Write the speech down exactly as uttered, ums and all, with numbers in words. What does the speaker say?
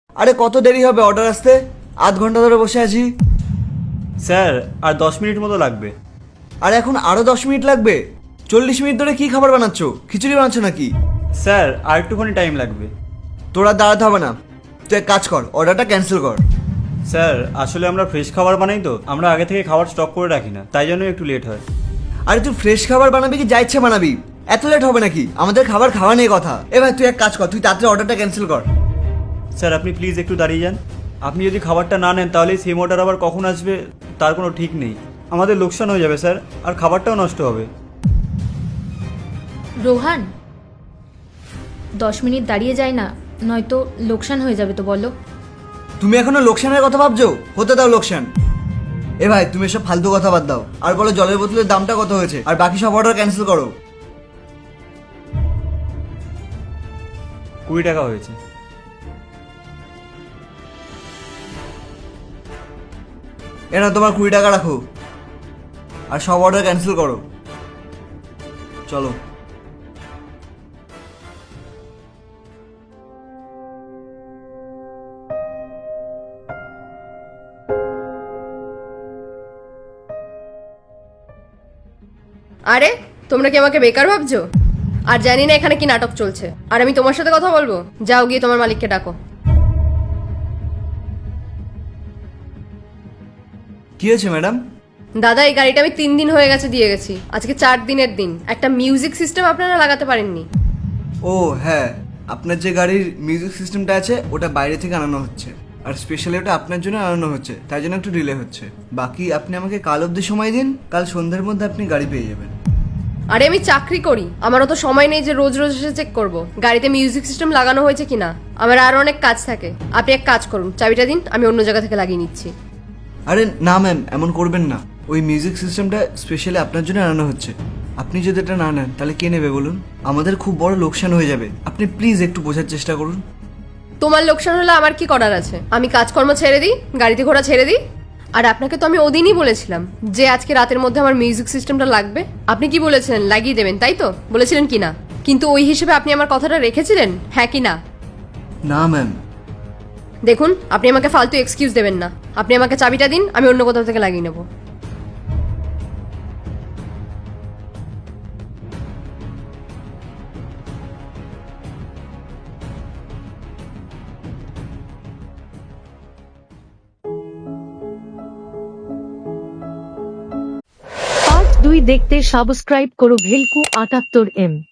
আরে কত দেরি হবে অর্ডার আসতে? আধ ঘন্টা ধরে বসে আছি। স্যার আর দশ মিনিট মতো লাগবে। আর এখন আরো দশ মিনিট লাগবে? চল্লিশ মিনিট ধরে কি খাবার বানাচ্ছো? খিচুড়ি বানাচ্ছ নাকি? স্যার আর একটুখানি টাইম লাগবে। তোরা দাঁড়াতে হবে না, তুই এক কাজ কর, অর্ডারটা ক্যান্সেল কর। স্যার আসলে আমরা ফ্রেশ খাবার বানাই তো, আমরা আগে থেকে খাবার স্টক করে রাখি না, তাই জন্য একটু লেট হয়। আরে তুই ফ্রেশ খাবার বানাবি কি যা ইচ্ছে বানাবি? এত লেট হবে নাকি? আমাদের খাবার খাওয়া নিয়ে কথা। এ ভাই তুই এক কাজ কর, তুই তাড়াতাড়ি অর্ডারটা ক্যান্সেল কর। স্যার আপনি প্লিজ একটু দাঁড়িয়ে যান। আপনি যদি খাবারটা না নেন তাহলে সেম অর্ডার আবার কখন আসবে তার কোনো ঠিক নেই। আমাদের লোকসান হয়ে যাবে স্যার, আর খাবারটাও নষ্ট হবে। রোহান, দশ মিনিট দাঁড়িয়ে যায় না, নয়তো লোকসান হয়ে যাবে তো বলো। তুমি এখনো লোকসানের কথা ভাবছো? হতে দাও লোকসান। এ ভাই তুমি এসব ফালতু কথা বাদ দাও, আর বলো জলের বোতলের দামটা কত হয়েছে, আর বাকি সব অর্ডার ক্যান্সেল করো। কুড়ি টাকা হয়েছে। এনা তোমার কুড়ি টাকা রাখো, আর সব অর্ডার ক্যান্সেল করো। চলো। আরে তোমরা কি আমাকে বেকার ভাবছো? আর জানি না এখানে কি নাটক চলছে, আর আমি তোমার সাথে কথা বলবো? যাও গিয়ে তোমার মালিককে ডাকো। কি হয়েছে ম্যাডাম? দাদা এই গাড়িটা আমি তিন দিন হয়ে গেছে দিয়ে গেছি, আজকে চার দিনের দিন। একটা মিউজিক সিস্টেম আপনারা লাগাতে পারেননি। ও হ্যাঁ, আপনার যে গাড়ির মিউজিক সিস্টেমটা আছে ওটা বাইরে থেকে আনানো হচ্ছে, আর স্পেশালি ওটা আপনার জন্য আনানো হচ্ছে, তাই জন্য একটু ডিলে হচ্ছে। বাকি আপনি আমাকে কাল অবধি সময় দিন, কাল সন্ধ্যের মধ্যে আপনি গাড়ি পেয়ে যাবেন। আরে আমি চাকরি করি, আমারও তো সময় নেই যে রোজ রোজ এসে চেক করব গাড়িতে মিউজিক সিস্টেম লাগানো হয়েছে কিনা। আমার আরো অনেক কাজ থাকে। আপনি এক কাজ করুন, চাবিটা দিন, আমি অন্য জায়গা থেকে লাগিয়ে নিচ্ছি। আরে না ম্যাম, এমন করবেন না। ওই মিউজিক সিস্টেমটা স্পেশালি আপনার জন্য আনানো হচ্ছে। আপনি যদি এটা না নেন তাহলে কে নেবে বলুন? আমাদের খুব বড় লোকসান হয়ে যাবে। আপনি প্লিজ একটু বোঝার চেষ্টা করুন। তোমার লোকসান হলে আমার কি করার আছে? আমি কাজকর্ম ছেড়ে দিই, গাড়িতে ঘোড়া ছেড়ে দিই। আর আপনাকে তো আমি ওদিনই বলেছিলাম যে আজকে রাতের মধ্যে আমার মিউজিক সিস্টেমটা লাগবে। আপনি কি বলেছিলেন? লাগিয়ে দেবেন, তাই তো বলেছিলেন কি না? কিন্তু ওই হিসেবে আপনি আমার কথাটা রেখেছিলেন, হ্যাঁ কি না? না ম্যাম। দেখুন, আপনি আমাকে ফালতু এক্সকিউজ দেবেন না। আপনি আমাকে চাবিটা দিন, আমি অন্য কোথাও থেকে লাগিয়ে নেব। পার্ট দুই দেখতে সাবস্ক্রাইব করো ভেলকু আটাত্তর এম।